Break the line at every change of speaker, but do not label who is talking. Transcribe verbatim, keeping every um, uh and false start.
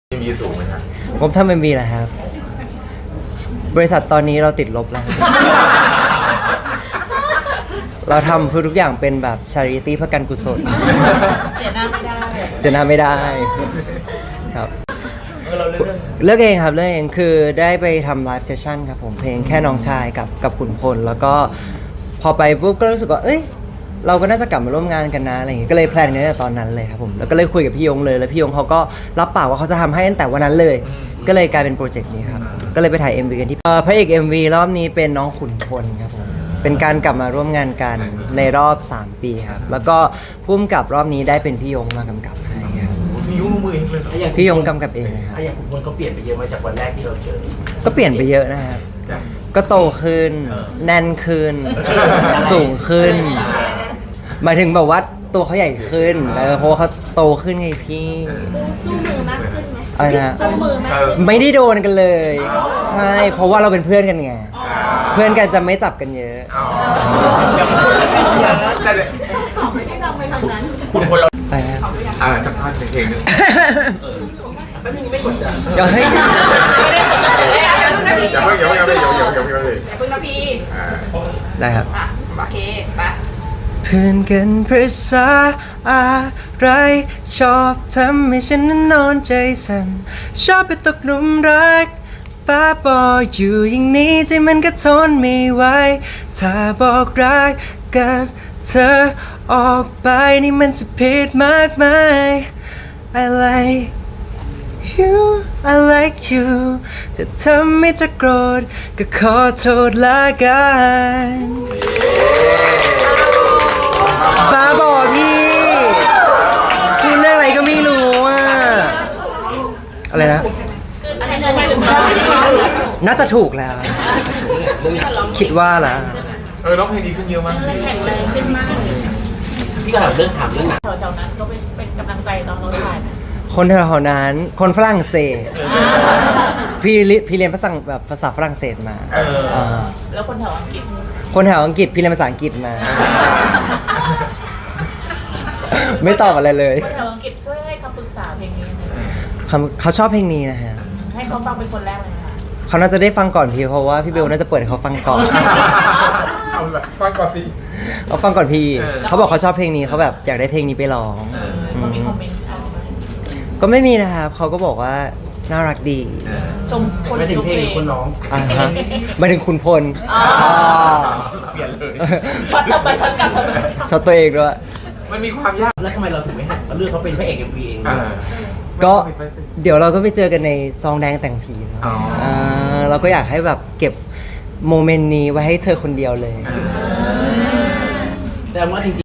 มีสูงไหมครับ
งบถ้าไม่มีแหละครับบริษัทตอนนี้เราติดลบแล้ว เราทำเพื่อทุกอย่างเป็นแบบ charity เพื่อการกุศล
เสียหน้าไม่ได้
เสียหน้าไม่ได้ครับเลือกเองครับเลือกเองคือได้ไปทำไลฟ์เซสชั่นครับผมเพลงแค่น้องชายกับกับขุนพลแล้วก็พอไปปุ๊บก็รู้สึกว่าเอ้ยเราก็น่าจะกลับมาร่วมงานกันนะอะไรอย่างเงี้ยก็เลยแพลนกันตั้งแต่ตอนนั้นเลยครับผมแล้วก็เลยคุยกับพี่ยงเลยแล้วพี่ยงเขาก็รับปากว่าเขาจะทำให้ตั้งแต่วันนั้นเลย ก็เลยกลายเป็นโปรเจกต์นี้ครับก็เลยไปถ่าย เอ็ม วี กันที่เอ่อพระเอก เอ็ม วี รอบนี้เป็นน้องขุนพลครับผมเป็นการกลับมาร่วมงานกันในรอบสามปีครับแล้วก็พุ่มกับรอบนี้ได้เป็นพี่ยงมากำกับให้ครับ
มียุ่งมือเองเลย
พี่ยงกำกับเองเลยครับ
ถ้าอย่างคุณพลก็เปลี่ยนไปเยอะมาจากวันแรกที่เราเจอ
ก็เปลี่ยนไปเยอะนะครับก็โตขึ้นแน่นขึ้น สูงขึ้นหมายถึงแบบว่าตัวเขาใหญ่ขึ้นเออเพราะว่าเขาโตขึ้นไงพี่
สู้มือมากขึ้นไหม
อะไรนะ
สู้มือมากขึ้น
ไม่ได้โดนกันเลย ใช่เพราะว่าเราเป็นเพื่อนกันไงเพื่อนกันจะไม่จับกันเยอะ
แต่เด็ก
ของไม่ได้ดังไปทางนั้น
คุณพลเรา
อะไรนะ
อ่าจากท่อนเพลงนึง
ไม่มีไม่กดดัน
เดี๋ยวให้
ไม่ได้สนใจเลยอ่ะอย่าเพิ่งนะพี่
อย่าเพิ่งอย่าเพิ่งอย่าเพิ่งอย่าเพิ่งอย่าเพิ่งอย่าเพิ่งเลย
อย่าเพิ่งนะพี่
อ่า
ได้ครับ
อ่ะโอเคไป
เพื่อนกันภาษาอะไรชอบทำให้ฉันนั้นนอนใจสั่นชอบไปตกหลุมรักป้าบออยู่อย่างนี้ใจมันก็ทนไม่ไหวถ้าบอกรักกับเธอออกไปนี่มันจะผิดมากมาย I like you I like you แต่ทำไม่จะโกรธก็ขอโทษละกันบ้าบอพี่พูดเรื่องอะไรก็ไม่รู้อ่ะอะไรนะ
คืออันนี้ไม่ถึงเราไม่ได้ยิน
น่าจะถูกแล้ว คิดว่าล่ะ
เออร้องเพลงดีขึ้นเยอะมากพี่
แข็งแรงขึ้นมากเลย
พี่ก็ถามเรื่องถามเรื่องหนัง
แถวๆนั้นก็เป็นเป็นกำลังใจตอนเราถ่ายนะ
คนแถวๆนั้น คนฝรั่งเศส พี่เรียพี่เรียนภาษาแบบภาษาฝรั่งเศสมา
เออ
อ่า
แล้วคนแถวอังกฤษ
คนแถวอังกฤษพี่เรียนภาษาอังกฤษมา ไม่ตอบอะไรเลย
คนแถวอังกฤษช่วยให้คำปรึกษาเพลงนี้หน่อย
เขาเขาชอบเพลงนี้นะฮะ
ให้เขาฟังเป็นคนแรกเลยนะคะ
เขาน่าจะได้ฟังก่อนพี่เพราะว่าพี่เบลน่าจะเปิดให้เขาฟังก่อน
เอาละฟังก่อนสิ
เขาฟังก่อนพี่
เออ
เขาบอกเขาชอบเพลงนี้เขาแบบอยากได้เพลงนี้ไปร้อง
เขามีคอมเมนต์เอามา
ก็ไม่มีนะครับเขาก็บอกว่าน่ารักดี
ชมคน
ไม่ถึ
ช
ง
ม
เพลง
เพล
หรือง คนน้อง
อ่าฮะหมายถึงคุณพล
อ๋อ
เปลี่ยนเลย
ช็อตกลับไปช็อตกลับช็อตกลับ
ชอบตัวเองด้วย
มันมีความยาก
แล้วทำไมเราถึงไม่หันมาเลือกเขาเป็นพระเอกเอ็มวีเอง
อ่า
ก็เดี๋ยวเราก็ไปเจอกันในซองแดงแต่งผีเนอะ
อ๋ออ่
าเราก็อยากให้แบบเก็บโมเมนต์นี้ไว้ให้เธอคนเดียวเลย
อ่า
แต่ว่าจริง